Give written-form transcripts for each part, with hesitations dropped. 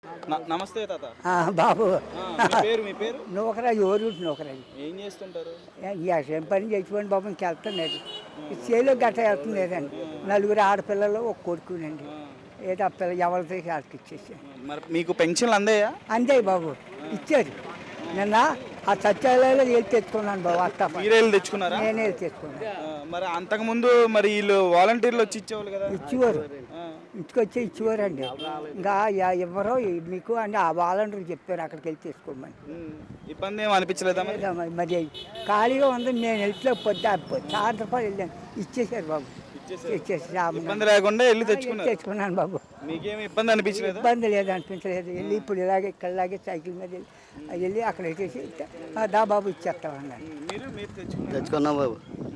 నమస్తే తాత. బాబు మీ పేరు నూకరాజు ఓరుంటు నూకరాజు ఏం చేస్తుంటారు? ఏం పని చేసిపోయింది బాబు ఇంకెళ్తున్నాడు చేలో గట్ట వెళ్తుండేదండి నలుగురు ఆడపిల్లలు ఒక కొడుకునండి ఏదో ఆ పిల్ల ఎవరితో వాళ్ళకి ఇచ్చేసి మరి మీకు పెన్షన్లు అందాయా? అంతే బాబు ఇచ్చారు నిన్న ఆ సత్యాలయంలో వెళ్ళి తెచ్చుకున్నాను బాబు అత్త మీరే వెళ్ళి తెచ్చుకున్నారా? నేనే వెళ్ళి తెచ్చుకున్నాను. మరి అంతకుముందు మరి వీళ్ళు వాలంటీర్లు వచ్చి ఇచ్చేవాళ్ళు కదా? ఇచ్చేవారు ఇంటికి వచ్చి ఇచ్చేవారండి ఇంకా ఎవరో మీకు అని ఆ వాలంటీర్లు చెప్పారు అక్కడికి వెళ్ళి తెచ్చుకోమని. ఇబ్బంది ఏమి అనిపించలేదా? మరి ఖాళీగా ఉంది నేను వెళ్తే సాయంత్రం వెళ్ళాను ఇచ్చేసారు బాబు ఇబ్బంది లేకుండా వెళ్ళి తెచ్చుకున్నాను బాబు. మీకేమి ఇబ్బంది అనిపించలేదు? ఇబ్బంది లేదు అనిపించలేదు. వెళ్ళి ఇప్పుడు ఇలాగే ఇక్కడలాగే సైకిల్ మీద వెళ్ళి అక్కడ వేసేసి దా బాబు ఇచ్చేస్తామన్నాను. తెచ్చుకున్నాం బాబు,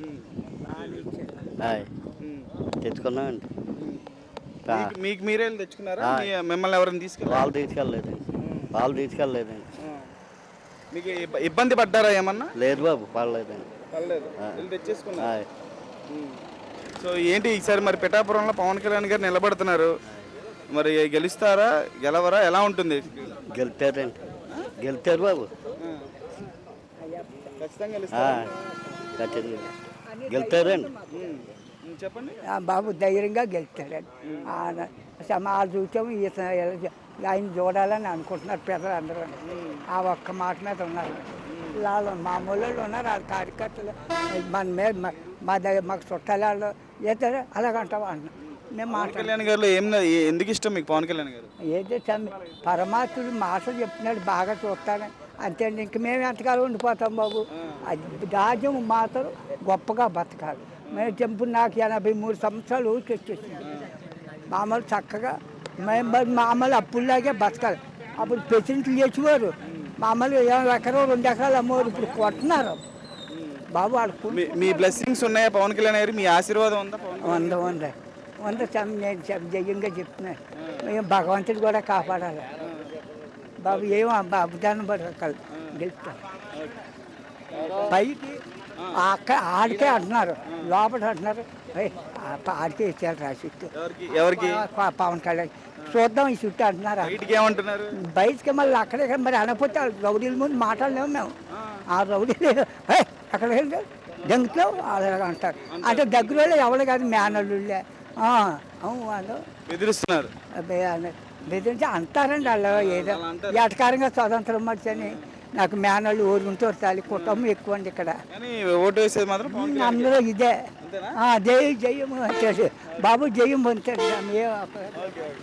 తెచ్చుకున్నామండి. మీకు మీరే వెళ్ళి తెచ్చుకున్నారా? మిమ్మల్ని ఎవరైనా వాళ్ళు తీసుకెళ్ళలేదండి. మీకు ఇబ్బంది పడ్డారా ఏమన్నా? లేదు బాబు, పడలేదండి. తెచ్చేసుకున్నారు. సో ఏంటి ఈసారి మరి పిఠాపురంలో పవన్ కళ్యాణ్ గారు నిలబడుతున్నారు, మరి గెలుస్తారా గెలవరా ఎలా ఉంటుంది? గెలుతారు బాబు, గెలుతారండి. చెప్పండి బాబు ధైర్యంగా గెలుస్తారండి. సమాజం చూసాము ఆయన చూడాలని అనుకుంటున్నారు పెద్దలందరూ. ఆ ఒక్క మాట మీద ఉన్నారు వాళ్ళు మామూలు ఉన్నారు. వాళ్ళ కార్యకర్తలు మన మీద మా దగ్గర మాకు చుట్టాలు చేస్తారు అలాగంటావా అన్న మేము కళ్యాణ్ గారు ఎందుకు ఇష్టం మీకు పవన్ కళ్యాణ్ గారు? ఏదో పరమాత్ముడు మాటలు చెప్తున్నాడు బాగా చూస్తాను అంతే. ఇంక మేము ఎంతకాలం ఉండిపోతాం బాబు. రాజ్యం మాత్రం గొప్పగా బతకాలి. మేము చెంపు నాకు 83 సంవత్సరాలు వచ్చేసింది. మామూలు చక్కగా మేము మామూలు అప్పుల్లాగే బతకాలి. అప్పుడు ప్రెసిడెంట్లు చేసేవారు మామూలు ఎకరం 2 ఎకరాలు అమ్మవారు. ఇప్పుడు కొట్టున్నారు బాబు. మీ బ్లెస్సింగ్స్ ఉన్నాయా పవన్ కళ్యాణ్ గారు? మీ ఆశీర్వాదం ఉందా? ఉంది నేను జయంగా చెప్తున్నాను. మేము భగవంతుడు కూడా కాపాడాలి బాబు. ఏమో అభిదానం పడకాలి గెలుస్తాను. పైకి ఆడికే అంటున్నారు, లోపల అంటున్నారు ఆడికే ఇచ్చారు రాసిట్టు. ఎవరికి? పవన్ కళ్యాణ్ చూద్దాం ఈ చుట్టూ అంటున్నారు. బయటికి మళ్ళీ అక్కడే మరి అనకపోతే రౌడీల ముందు మాట్లాడలేము మేము. ఆ రౌడీలు అక్కడ దెంగుతాం అలాగ అంటారు. అంటే దగ్గర వాళ్ళు ఎవరు కాదు మేనల్లుళ్ళే వాళ్ళు బెదిరిస్తున్నారు. బెదిరించి అంటారండి వాళ్ళు. ఏదో ఎటకారంగా స్వతంత్రం మర్చని నాకు మేనళ్ళు ఊరుకుంటారు తాలి కుటుంబం ఎక్కువ అండి ఇక్కడ. ఓటు వేసేది మాత్రం అందరూ ఇదే జయం బాబు జయం పొందుతారు.